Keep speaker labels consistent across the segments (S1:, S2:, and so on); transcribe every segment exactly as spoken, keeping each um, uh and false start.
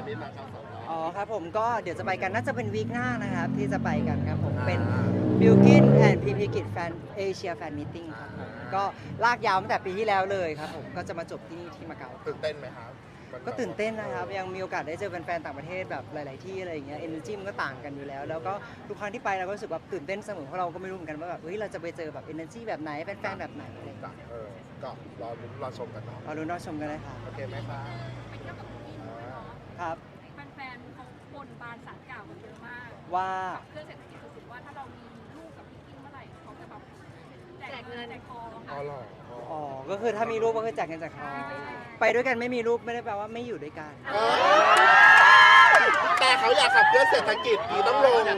S1: มิตรนะครับสอง
S2: อ๋อครับผมก็เดี๋ยวจะไปกันน่าจะเป็นวีคหน้านะครับที่จะไปกันครับผมเป็น Bilkin and พี พี กิจแฟนเอเชียแฟนมิทติ้งครับผมก็ลากยาวตั้งแต่ปีที่แล้วเลยครับผมก็จะมาจบที่นี่ที่มาเก๊า
S1: ตื่นเต้นไหมครับ
S2: ก็ตื่นเต้นนะครับยังมีโอกาสได้เจอแฟนๆต่างประเทศแบบหลาย ๆ ที่อะไรอย่างเงี้ยเอเนอร์จีมันก็ต่างกันอยู่แล้วแล้วก็ทุกครั้งที่ไปเราก็รู้สึกแบบตื่นเต้นเสมอเพราะเราก็ไม่รู้เหมือนกันว่าแบบเฮ้ยเราจะไปเจอแบบเอเนอร์จีแบบไหนแฟนๆแบบไหนอะไรอย่างเงี้ย
S1: เออก็รอลุ้นรอชมกันเนาะ
S2: เราดูน่าชมกันเลยค่ะ
S1: โอเคไหมครับ
S3: ไปเที่ยวกับพี่เนาะ
S2: ครับ
S3: แฟนๆเขาบนบานสารกล่าวกันเยอะมาก
S2: ว่า
S3: ขับเครื่องเศรษฐกิจสุดๆว่าถ้าเรามีลูกกับพี่กิ้งเมื่อไหร่เขาจะแบบแจกเงินแจกทอง
S1: อ๋อเหรอ
S2: อ๋อก็คือถ้ามีลูกก็คือแจกเงินจากเขาไปด้วยกันไม่มีลูกไม่ได้แปลว่าไม่อยู่ด้วยกัน
S1: เออแต่เขาอยากขับเคลื่อนเศรษฐกิจดีต้องลง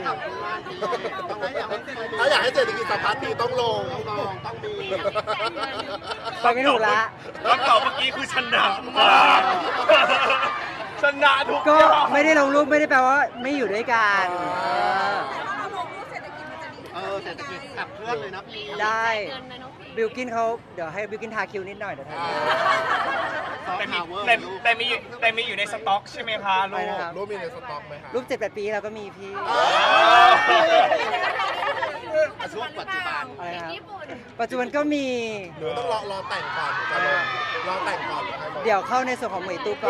S1: เขาอยากให้เศรษฐกิจสะพัดดีต้องลงต้องมี
S2: ไปไม่ถูกละ
S4: คำตอบเมื่อกี้คือชนะมากชนะทุก
S2: ก็
S4: อย่าง
S2: ไม่ได้ลงรูปไม่ได้แปลว่าไม่อยู่ด้วยกันเออ
S3: ถ้าเราลงรูปเศรษฐกิจมันจะดี
S1: เออเศรษฐกิจขับเคลื่อนเลยนะพี่
S2: ได้
S3: เงินนะน้องพี
S2: บิลกินเขาเดี๋ยวให้บิลกินทาคิวนิดหน่อยเดี๋ยวทาคิว
S4: แต่มีแต่แต่มีแต่มีอยู่ในสต็อกใช่ไหมคะลู
S2: ไป
S4: ก
S2: นะครับ
S1: รูปมีในสต็อกไหมครับ
S2: รูปเจ็ดแปดปีเราก็มีพี่
S1: ช่วงปัจจุบัน
S2: อะไรนะครับ
S3: ญี่ปุ่น
S2: ปัจจุบันก็มี
S1: หรือต้องรอรอแต่งก่อนจะลงรอแต่งก่อน
S2: เดี๋ยวเข้าในส่วนของเหมยตุ๊กก่อน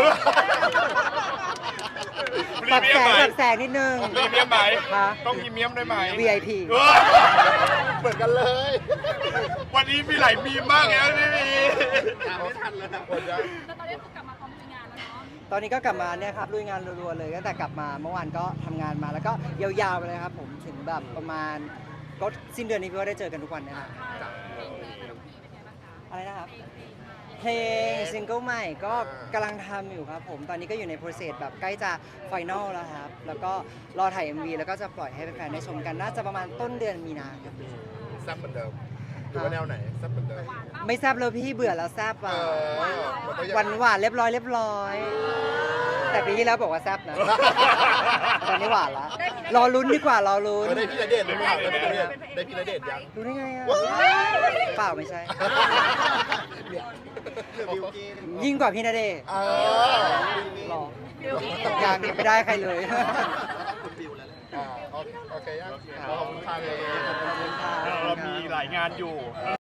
S4: พรี
S2: ปรับ
S4: เมีย
S2: แส
S4: ม
S2: ง
S4: ไหม
S2: ปรับแสงนิดนึง
S4: พรีเมียมไหม
S2: ฮะ
S4: ต้องพรีเมียมได้ไหม
S2: วี ไอ พี
S1: เหมือนกันเลย
S4: วันนี้มีหลายมีมมากเลยนะพี่มี
S1: ตามไม่ทันเลยนะคนเยอะ
S3: แล้วตอนนี้คือกลับมาพร้อมมีงานแล้วเนาะ
S2: ตอนนี้ก็กลับมาเนี่ยครับลุยงานรัวๆเลยตั้งแต่กลับมาเมื่อวานก็ทำงานมาแล้วก็ยาวๆไปเลยครับผมถึงแบบประมาณก็สิ้นเดือนนี้พี่ก็ได้เจอกันทุกวันนะครับ
S3: เพลงเพลงน้องพีเป็นไงบ้างคะ
S2: อะไรนะครับ
S3: เพลงเพลง
S2: เพลงซิงเกิลใหม่ก็กำลังทำอยู่ครับผมตอนนี้ก็อยู่ในโปรเซสแบบใกล้จะไฟนอลแล้วครับแล้วก็รอถ่าย เอ็ม วี แล้วก็จะปล่อยให้แฟนๆได้ชมกันน่าจะประมาณต้นเดือนมีนาครับ
S1: แซ่บเหมือนเดิมหรือว่าแนวไหนแซ่บเหมือนเดิม
S2: ไม่แซบเลยพี่เบื่อแล้วแซบ
S1: เอ
S2: อ่ะ
S1: อมันก็ยัง
S2: หวานหวานๆเรียบร้อยเรียบร้อย แต่ปีที่แล้วบอกว่าแซบนะ ตอนนี้หวานละรอลุ้นดีกว่ารอลุ้น
S1: เออได้พี่ณเดชน์หรือเปล่าได้พี่ณเดชน์ได้พี่ณเดชน์ยัง
S2: รู้ได้ไงอ่ะเปล่าไม่ใช่
S1: บิวกิน
S2: ยิ่งกว่าพี่นาเดชน์
S1: เออ
S2: หรอยังยังไม่ได้ใครเลย
S1: คุณบิวแล้วอ่าโอเคยังขอบคุณค่ะเลย
S2: ขอบคุณค่ะ
S4: เรามีหลายงานอยู่